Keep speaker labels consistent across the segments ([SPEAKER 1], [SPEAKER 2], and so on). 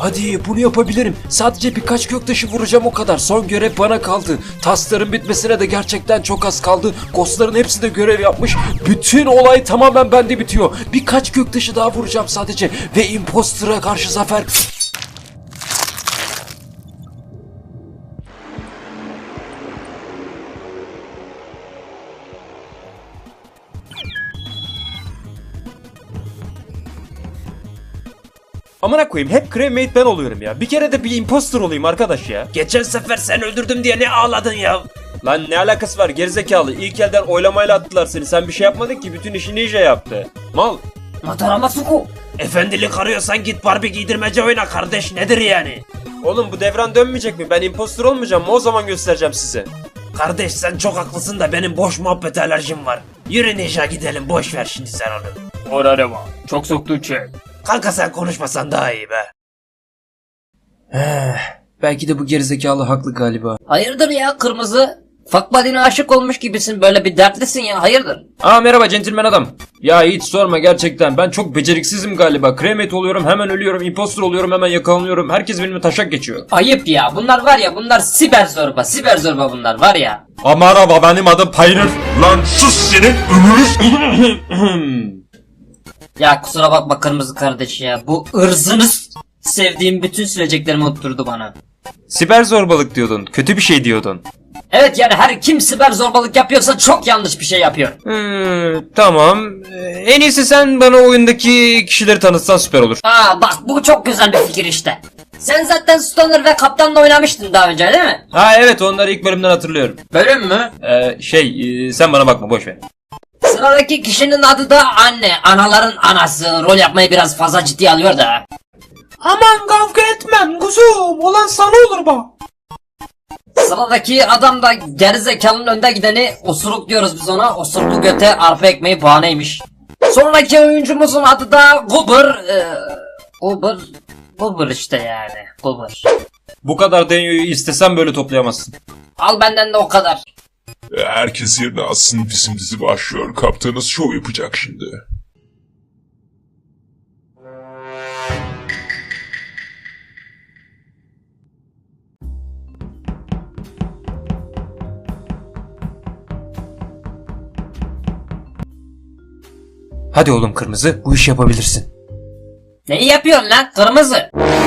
[SPEAKER 1] Hadi bunu yapabilirim. Sadece birkaç göktaşı vuracağım, o kadar. Son görev bana kaldı. Taskların bitmesine de gerçekten çok az kaldı. Ghostların hepsi de görev yapmış. Bütün olay tamamen bende bitiyor. Birkaç göktaşı daha vuracağım sadece. Ve imposter'a karşı zafer... Amına koyayım, hep crewmate ben oluyorum ya. Bir kere de bir imposter olayım arkadaş ya. Geçen sefer sen öldürdüm diye ne ağladın ya? Lan ne alakası var gerizekalı? İlk elden oylamayla attılar seni. Sen bir şey yapmadın ki, bütün işi Ninja yaptı. Mal.
[SPEAKER 2] Mataramasuku.
[SPEAKER 1] Efendilik arıyorsan git Barbie giydirmece oyna kardeş, nedir yani? Oğlum bu devran dönmeyecek mi? Ben imposter olmayacağım mı? O zaman göstereceğim size. Kardeş sen çok haklısın da benim boş muhabbet alerjim var. Yürü Ninja gidelim, boş ver şimdi sen onu.
[SPEAKER 2] Orada var. Çok soktu çek.
[SPEAKER 1] Kanka sen konuşmasan daha iyi be. Belki de bu gerizekalı haklı galiba.
[SPEAKER 2] Hayırdır ya kırmızı? Fuck buddy'ne aşık olmuş gibisin, böyle bir dertlisin ya, hayırdır?
[SPEAKER 1] Merhaba centilmen adam. Ya hiç sorma gerçekten, ben çok beceriksizim galiba. Crewmate oluyorum hemen ölüyorum, imposter oluyorum hemen yakalanıyorum. Herkes benimle taşak geçiyor.
[SPEAKER 2] Ayıp ya, bunlar var ya, bunlar siber zorba bunlar var ya.
[SPEAKER 1] Merhaba, benim adım Pioneer.
[SPEAKER 3] Lan sus senin ömrünüz.
[SPEAKER 2] Ya kusura bakma kırmızı kardeş ya, bu ırzınız sevdiğim bütün sileceklerimi unutturdu bana.
[SPEAKER 1] Siber zorbalık diyordun, kötü bir şey diyordun.
[SPEAKER 2] Evet yani her kim siber zorbalık yapıyorsa çok yanlış bir şey yapıyor.
[SPEAKER 1] Tamam. En iyisi sen bana oyundaki kişileri tanıtsan süper olur.
[SPEAKER 2] Bak bu çok güzel bir fikir işte. Sen zaten Stoner ve Kaptan'la oynamıştın daha önce değil mi?
[SPEAKER 1] Evet, onları ilk bölümden hatırlıyorum.
[SPEAKER 2] Bölüm mü?
[SPEAKER 1] Sen bana bakma, boş ver.
[SPEAKER 2] Sıradaki kişinin adı da anne. Anaların anası. Rol yapmayı biraz fazla ciddiye alıyor da.
[SPEAKER 1] Aman kavga etmem kuzum, olan sana olur bak.
[SPEAKER 2] Sıradaki adam da gerizekalının önde gideni, osuruk diyoruz biz ona. Osuruklu göte arpa ekmeği bahaneymiş. Sonraki oyuncumuzun adı da Goober. Goober işte yani. Goober.
[SPEAKER 1] Bu kadar denyoyu istesen böyle toplayamazsın.
[SPEAKER 2] Al benden de o kadar.
[SPEAKER 3] Herkes yerine alsın, bizim dizi başlıyor. Kaptanız şov yapacak şimdi.
[SPEAKER 1] Hadi oğlum kırmızı, bu işi yapabilirsin.
[SPEAKER 2] Neyi yapıyorsun lan kırmızı?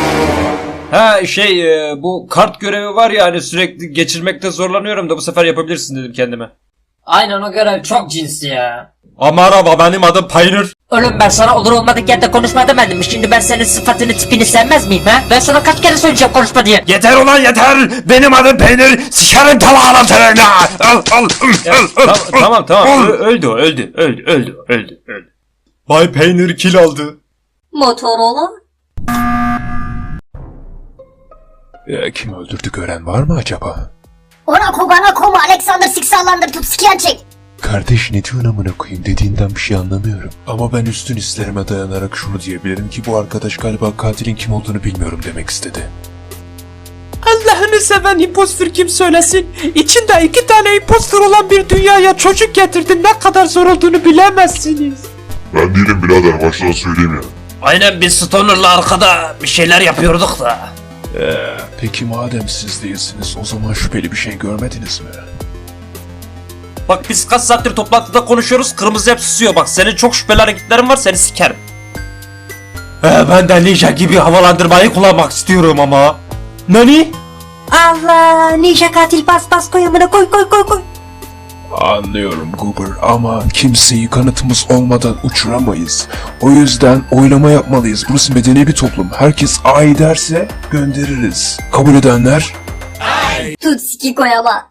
[SPEAKER 1] Bu kart görevi var ya, hani sürekli geçirmekte zorlanıyorum da bu sefer yapabilirsin dedim kendime.
[SPEAKER 2] Aynen, o görev çok cinsi ya.
[SPEAKER 1] Merhaba, benim adım Pioneer.
[SPEAKER 2] Oğlum ben sana olur olmadık yerde konuşma demedim mi? Şimdi ben senin sıfatını tipini sevmez miyim ha? Ben sana kaç kere söyleyeceğim konuşma diye.
[SPEAKER 1] Yeter ulan yeter, benim adım Peynir, sikerim talağına tırına. Tamam, öldü. Bay Peynir kill aldı.
[SPEAKER 4] Motorola?
[SPEAKER 3] Kim öldürdü gören var mı acaba?
[SPEAKER 4] Ona kogana koma Alexander Siksalandır tut sikiyen çek.
[SPEAKER 3] Kardeş ne diyorsun amına koyayım, dediğinden bir şey anlamıyorum. Ama ben üstün hislerime dayanarak şunu diyebilirim ki bu arkadaş galiba katilin kim olduğunu bilmiyorum demek istedi.
[SPEAKER 5] Allah'ını seven impostor kim söylesin? İçinde 2 tane impostor olan bir dünyaya çocuk getirdin, ne kadar zor olduğunu bilemezsiniz.
[SPEAKER 3] Ben değilim birader, baştan söyleyeyim ya.
[SPEAKER 1] Aynen, biz Stoner'la arkada bir şeyler yapıyorduk da.
[SPEAKER 3] Peki madem siz değilsiniz, o zaman şüpheli bir şey görmediniz mi?
[SPEAKER 1] Bak biz kaç saattir toplantıda konuşuyoruz, kırmızı hep susuyor. Bak senin çok şüpheli hareketlerin var, seni sikerim. Ben de Ninja gibi havalandırmayı kullanmak istiyorum ama. Nani?
[SPEAKER 4] Allah, ninja katil bas koy amına koy.
[SPEAKER 3] Anlıyorum Goober ama kimseyi kanıtımız olmadan uçuramayız. O yüzden oylama yapmalıyız. Burası medeni bir toplum. Herkes ay derse göndeririz. Kabul edenler?
[SPEAKER 4] Tut siki koy ama.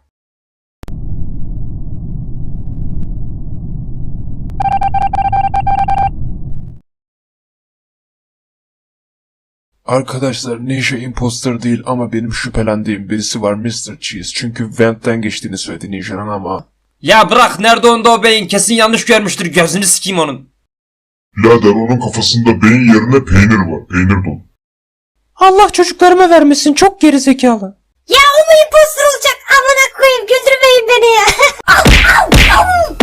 [SPEAKER 3] Arkadaşlar Ninja imposter değil ama benim şüphelendiğim birisi var, Mr. Cheese. Çünkü Vent'ten geçtiğini söyledi Ninja'nın ama...
[SPEAKER 1] Ya bırak, nerede onda o beyin, kesin yanlış görmüştür, gözünü sikeyim onun.
[SPEAKER 3] Birader onun kafasında beyin yerine peynir var. Peynir dolu.
[SPEAKER 5] Allah çocuklarıma vermesin, çok gerizekalı.
[SPEAKER 4] Ya o mu impostor olacak? Amına koyayım, güldürmeyin beni ya. Au, au.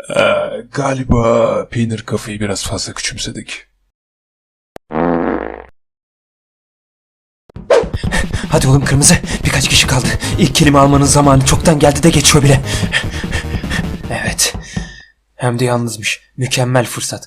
[SPEAKER 3] Galiba peynir kafayı biraz fazla küçümsedik.
[SPEAKER 1] Hadi oğlum kırmızı. Birkaç kişi kaldı. İlk kelime almanın zamanı çoktan geldi de geçiyor bile. Evet. Hem de yalnızmış. Mükemmel fırsat.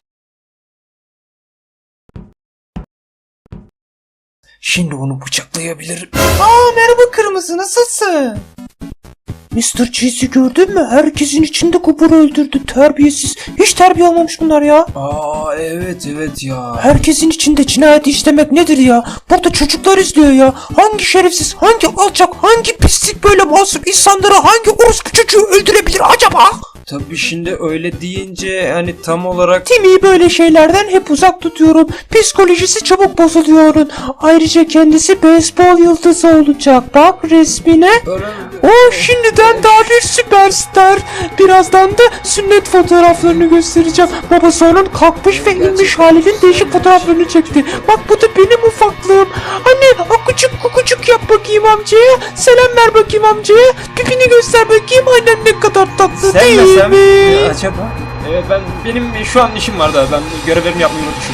[SPEAKER 1] Şimdi onu bıçaklayabilirim.
[SPEAKER 5] Merhaba kırmızı, nasılsın? Mr. Cheese'i gördün mü? Herkesin içinde Cooper'ı öldürdü. Terbiyesiz. Hiç terbiye almamış bunlar ya.
[SPEAKER 1] Evet ya.
[SPEAKER 5] Herkesin içinde cinayet işlemek nedir ya? Burada çocuklar izliyor ya. Hangi şerefsiz, hangi alçak, hangi pislik böyle masum insanları hangi orospu çocuğu öldürebilir acaba?
[SPEAKER 1] Tabii şimdi öyle deyince hani tam olarak...
[SPEAKER 5] Timmy'yi böyle şeylerden hep uzak tutuyorum. Psikolojisi çabuk bozuluyor onun. Ayrıca kendisi beyzbol yıldızı olacak. Bak resmine. O şimdiden daha bir süperstar. Birazdan da sünnet fotoğraflarını göstereceğim. Babası onun kalkmış ve inmiş halinin değişik fotoğraflarını çekti. Bak bu da benim ufaklığım. Anne akucuk kukucuk yap bakayım amcaya. Selam ver bakayım amcaya. Pipini göster bakayım. Annem ne kadar tatlı değil mi?
[SPEAKER 1] Acaba? Benim şu an işim var da ben görevlerimi yapmayı unutmuşum.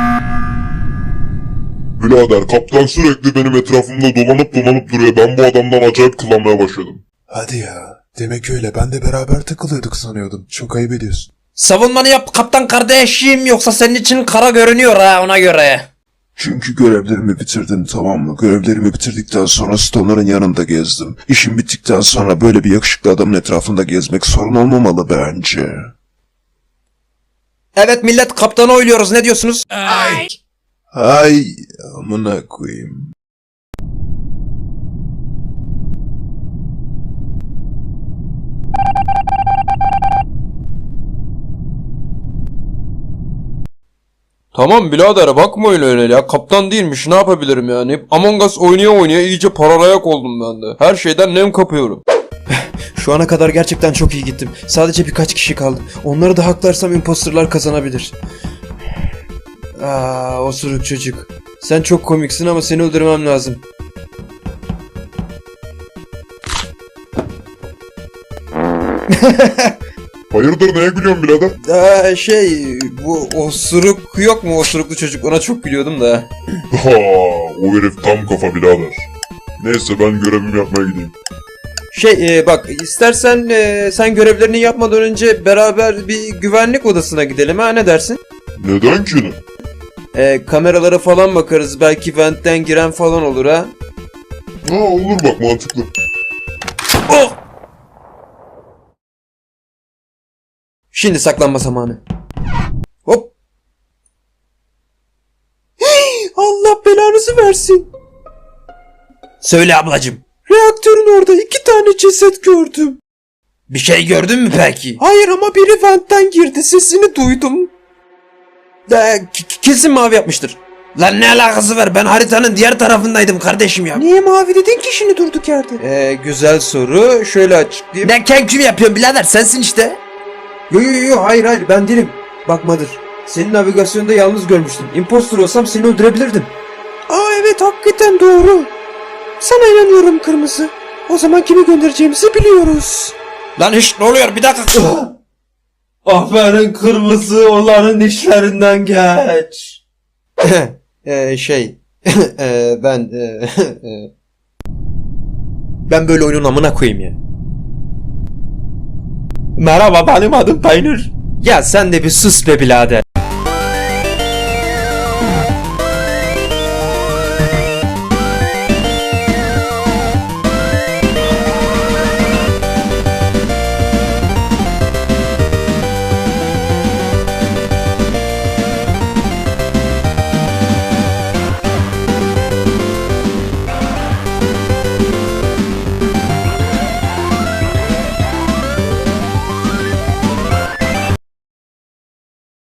[SPEAKER 6] Birader kaptan sürekli benim etrafımda dolanıp duruyor. Ben bu adamdan acayip kullanmaya başladım.
[SPEAKER 3] Hadi ya. Demek öyle. Ben de beraber takılıyorduk sanıyordum. Çok ayıp ediyorsun.
[SPEAKER 5] Savunmanı yap kaptan kardeşim, yoksa senin için kara görünüyor ha, ona göre.
[SPEAKER 3] Çünkü görevlerimi bitirdim, tamam mı? Görevlerimi bitirdikten sonra Stoner'ın yanında gezdim. İşim bittikten sonra böyle bir yakışıklı adamın etrafında gezmek sorun olmamalı bence.
[SPEAKER 5] Evet millet, kaptanı oyluyoruz, ne diyorsunuz?
[SPEAKER 3] Ay amına koyayım.
[SPEAKER 7] Tamam birader bakmayın öyle ya. Kaptan değilmiş, ne yapabilirim yani? Among Us oynaya iyice paralayak oldum ben de. Her şeyden nem kapıyorum.
[SPEAKER 1] Şu ana kadar gerçekten çok iyi gittim. Sadece birkaç kişi kaldı. Onları da haklarsam imposterlar kazanabilir. Osuruk çocuk. Sen çok komiksin ama seni öldürmem lazım.
[SPEAKER 6] Hayırdır neye gülüyorsun birader?
[SPEAKER 7] Bu osuruk yok mu, osuruklu çocuk? Ona çok gülüyordum da.
[SPEAKER 6] Ha, o herif tam kafa birader. Neyse ben görevimi yapmaya gideyim.
[SPEAKER 7] Bak istersen sen görevlerini yapmadan önce beraber bir güvenlik odasına gidelim ha, ne dersin?
[SPEAKER 6] Neden ki ne?
[SPEAKER 7] Kameralara falan bakarız, belki ventten giren falan olur ha.
[SPEAKER 6] Ha olur bak mantıklı.
[SPEAKER 7] Şimdi saklanma zamanı. Hop.
[SPEAKER 5] Allah belanızı versin.
[SPEAKER 7] Söyle ablacım.
[SPEAKER 5] Reaktörün orada 2 tane ceset gördüm.
[SPEAKER 7] Bir şey gördün mü peki?
[SPEAKER 5] Hayır ama biri ventten girdi, sesini duydum.
[SPEAKER 7] Kesin mavi yapmıştır. Lan ne alakası var? Ben haritanın diğer tarafındaydım kardeşim ya.
[SPEAKER 5] Niye mavi dedin ki şimdi durduk yerde?
[SPEAKER 7] Güzel soru. Şöyle açıklayayım.
[SPEAKER 5] Ne kenküm yapıyorsun birader, sensin işte.
[SPEAKER 7] Yo hayır ben değilim. Bakmadır. Seni navigasyonda yalnız görmüştüm. Impostor olsam seni öldürebilirdim.
[SPEAKER 5] Evet hakikaten doğru. Sana inanıyorum kırmızı. O zaman kimi göndereceğimizi biliyoruz.
[SPEAKER 7] Lan ne oluyor? Bir dakika.
[SPEAKER 1] Aferin kırmızı, onların işlerinden geç.
[SPEAKER 7] Ben böyle oyunun amına koyayım ya.
[SPEAKER 1] Merhaba, benim adım Peynir.
[SPEAKER 7] Ya sen de bir sus be birader.